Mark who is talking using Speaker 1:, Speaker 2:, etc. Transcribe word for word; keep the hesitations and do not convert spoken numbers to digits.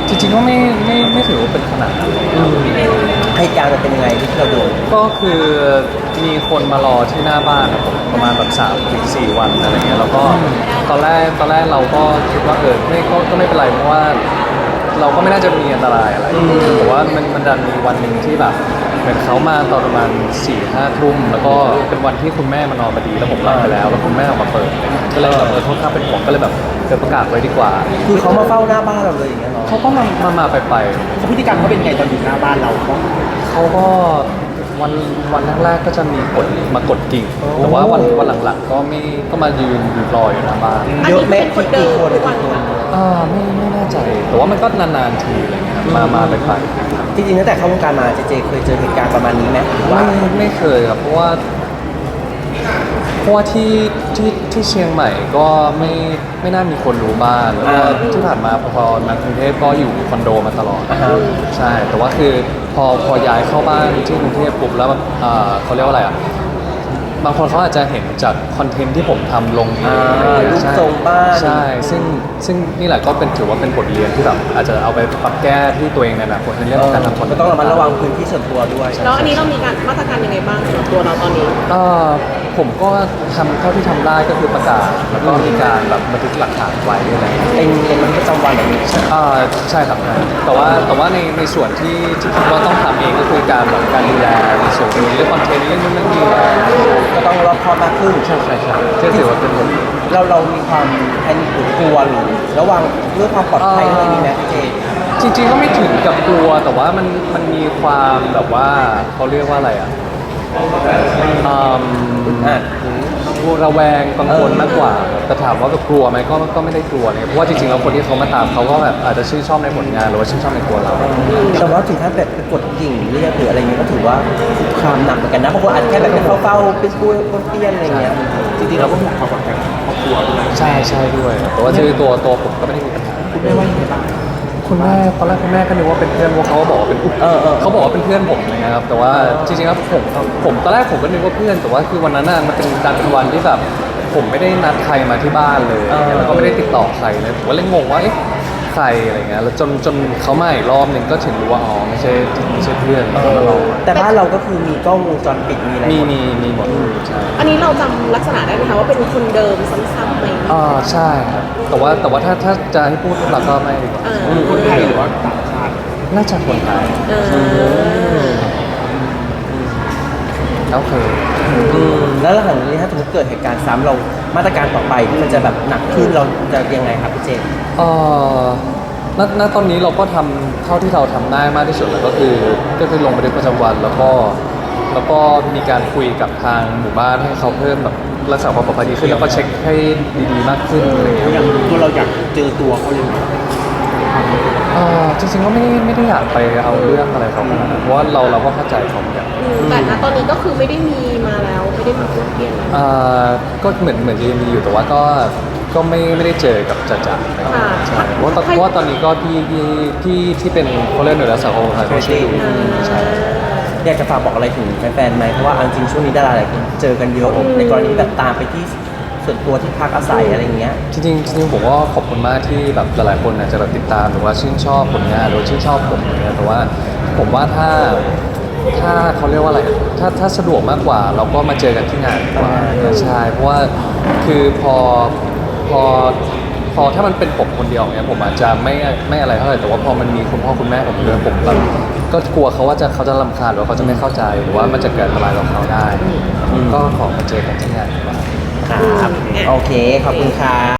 Speaker 1: จริงๆก็ไม่ไม่ไม่ถือว่าเป็นขนาดนั้น
Speaker 2: เหตุการณ์มันเป็นยังไงที่เราดู
Speaker 1: ก็คือมีคนมารอที่หน้าบ้านครับผมประมาณแบบสามถึงสี่วันอะไรเงี้ยแล้วก็ตอนแรกตอนแรกเราก็คิดว่าเออไม่ก็ก็ไม่เป็นไรเพราะว่าเราก็ไม่น่าจะมีอันตรายอะไรแต่ว่ามันมันดันมีวันหนึ่งที่แบบเหมือนเขามาตอนประมาณสี่ห้าทุ่มแล้วก็เป็นวันที่คุณแม่มานอนพอดีแล้วผมหลับไปแล้วแล้วคุณแม่ออกมาเปิดก็เลยแบบเออค่อนข้างเป็นห่วงก็เลยแบบเกิดประกาศไว้ดีกว่า
Speaker 2: คือเขามาเฝ้าหน้าบ้านเราเลยอย่างเงี้ยเนาะ
Speaker 1: เขาก็มามามาไปไป
Speaker 2: เขาพฤติกรรมเขาเป็นไงตอนอยู่หน้าบ้านเรา
Speaker 1: เขาก็วันวันแรกๆก็จะมีกดมากดกิ่งแต่ว่าวันวันหลังๆก็ไม่ก็มายืนอยู่รออยู่หน้าบ้าน
Speaker 2: เยอะแม่กี่คนกี่คน
Speaker 1: อ่าไม่ไม่แน่ใจแต่ว่ามันก็นานๆทีอะไรเงี้ยมามาไปไป
Speaker 2: จริงๆตั้งแต่เข้าวงการมาเจเจเคยเจอเหตุการณ์ประมาณนี้ไหม
Speaker 1: ไม่ไม่เคยครับเพราะว่าเพราะว่าที่ที่ที่เชียงใหม่ก็ไม่ไม่น่ามีคนรู้บ้านแล้วก็ที่ผ่านมาพอมากรุงเทพก็อยู่คอนโดมาตลอดใช่แต่ว่าคือพอพอย้ายเข้าบ้านที่กรุงเทพปุ๊บแล้วแบบเขาเรียกว่าอะไรอ่ะบางคนเขาอาจจะเห็นจากคอนเทนต์ที่ผมทำลง
Speaker 2: รูปทรงบ้าน
Speaker 1: ใช่ซึ่งซึ่งนี่แหละก็เป็นถือว่าเป็นบทเรียนที่แบบอาจจะเอาไปปรับแก้ที่ตัวเองในอนาคตในเรื่องของการทำคอนเทนต์
Speaker 2: ก็ต้องระมัดระวังพื้นที่ส่วนตัวด้วย
Speaker 3: แล้วอันนี้เรามีการมาตรการยังไงบ้างสำหรับตัวเราตอนนี้
Speaker 1: ก็ผมก็ทำเท่าที่ทำได้ก็คือประกาศแล้วก็มีการแบบบันทึกหลักฐานไว้อะไร
Speaker 2: เป็นเป็นบันทึกประจำวันแบบนี้
Speaker 1: อ่าใช่ครับแต่ว่าแต่ว่าในในส่วนที่ที่คิดว่าต้องทำเองก็คือการแบบการดูแลในส่วนนี้เรื่องคอนเทนต์เรื่องนู้นเรื่องนี้
Speaker 2: ก็ต้องรอบคอบมากขึ้น
Speaker 1: ใช่ใช่ใช่ที่ถือว่าเป็นบท
Speaker 2: เราเรามีความแพนิคหรือกลัวหรือระวังเรื่องความปลอดภัยอะไรนี้ไหมพี่เจ
Speaker 1: จริงๆก็ไม่ถึงกับกลัวแต่ว่ามันมันมีความแบบว่าเขาเรียกว่าอะไรอ่ะอ่าระแวงกังวลมากกว่าแต่ถามว่าแบบกลัวไหมก็ก็ไม่ได้กลัวเลยเพราะว่าจริงๆแล้วคนที่เขามาตามเขาก็แบบอาจจะชื่นชอบในผลงานหรือว่าชื่นชอบในตัวเรา
Speaker 2: แต่ว่าถึงขั้นแบบไปกดกิ่งเรียกหรืออะไรเงี้ยก็ถือว่าความหนักเหมือนกันนะบางคนอาจจะแค่แบบเป็นเฝ้าๆเป็นกู้นเตี้ยนอะไรเงี้ยจริงๆเราก็ห่วงความปลอดภัยของครอบครัวด้วย
Speaker 1: ใช่ใช่ด้วยแต่ว่าคือตัวตัวผมก็ไม่ได้มีปัญหา
Speaker 2: คุณแม่ว่ายังไงบ้าง
Speaker 1: คุณแม่ตอนแรกคุณแม่ก็นึกว่าเป็นเพื่อนเพราะเขาบอกว่าเป็นเขาบอกว่าเป็นเพื่อนผมนะครับแต่ว่าจริงๆแล้วผมผมตอนแรกผมก็นึกว่าเพื่อนแต่ว่าคือวันนั้นน่ะมันเป็นการเป็นวันที่แบบผมไม่ได้นัดใครมาที่บ้านเลยแล้วก็ไม่ได้ติดต่อใครเลยผมก็เลยงงว่าเอ๊ะใครอะไรเงี้ยแล้วจนจนเขามาอีกรอบหนึ่งก็ถึงรู้ว่าอ๋อไม่ใช่ไม่ใช่เพื่อน
Speaker 2: แต่บ้านเราก็คือมีกล้องวงจรปิดมีอะไร
Speaker 1: มีมีมีหมด
Speaker 3: อันนี้เราจำลักษณะได้ไหมคะว่าเป็นคนเดิมซ้ำๆไหม
Speaker 1: อ่าใช่ครับแต่ว่าแต่ว่าถ้าถ้าจะให้พูดเราก็ไม่
Speaker 2: คนไทยหรือว่าต่างชาติ
Speaker 1: น่าจะคนไทยโอเค
Speaker 2: แล้วหลังจากนี้ถ้าสมมติเกิดเหตุการณ์ซ้ำเรามาตรการต่อไปที่มันจะแบบหนักขึ้นเราจะยังไงครับพี่เจน
Speaker 1: เอ่อณณตอนนี้เราก็ทำเท่าที่เราทำได้มากที่สุดแล้วก็คือก็คือลงบันทึกประจำวันแล้วก็แล้วก็มีการคุยกับทางหมู่บ้านให้เขาเพิ่มแบบรักษาความปลอดภัยดีขึ้นแล้วก็เช็คให้ดีๆมากขึ้นอะไรอย่างเงี้ย
Speaker 2: อย่างตัวเราอยากเจอตัวเขายังไง
Speaker 1: อ่าจริงๆก็ไม่ได้ไม่ได้อยากไปเอาเรื่องอะไรเขาขนาดนั้นเพราะว่าเราเราก็เข้าใจเขาเหมือนกัน
Speaker 3: แต่ณตอนนี้ก็คือไม่ได้มีมาแล้วไม่ได้มีเพื่อนเพี้ยน
Speaker 1: อ่าก็เหมือนเหมือนจะมีอยู่แต่ว่าก็ก็ไม่ไม่ได้เจอกับจ่าจ่าใช่เพราะเพราะว่าตอนนี้ก็พี่พี่พี่ที่เป็นเขาเรียกหน่วยรักษาความปลอดภัยเขาช่วยดูใช่
Speaker 2: อยากจะฝากบอกอะไรถึงแฟนๆไหมเพราะว่าจริงช่วงนี้ดาราหลายคนเจอกันเยอะในกรณีแบบตามไปที่ส่วนตัวที่พักอาศัยอะไรเงี้ย
Speaker 1: จริงๆจริงๆผมก็ขอบคุณมากที่แบบหลายๆคนอาจจะแบบติดตามหรือว่าชื่นชอบผลงานหรือชื่นชอบผมอย่างเงี้ยแต่ว่าผมว่าถ้าถ้าเขาเรียกว่าอะไรถ้าถ้าสะดวกมากกว่าเราก็มาเจอกันที่งานดีกว่าใช่เพราะว่าคือพอพอพอถ้ามันเป็นผมคนเดียวเนี่ยผมอาจจะไม่ไม่อะไรเท่าไหร่แต่ว่าพอมันมีคุณพ่อคุณแม่ผมด้วยผมแบบก็กลัวเขาว่าจะเขาจะรำคาญหรือว่าเขาจะไม่เข้าใจหรือว่ามันจะเกิดอะไรกับเขาได้ก็ขอมาเจอกันที่งานดีกว่า
Speaker 2: ครับโอเคขอบคุณค่ะ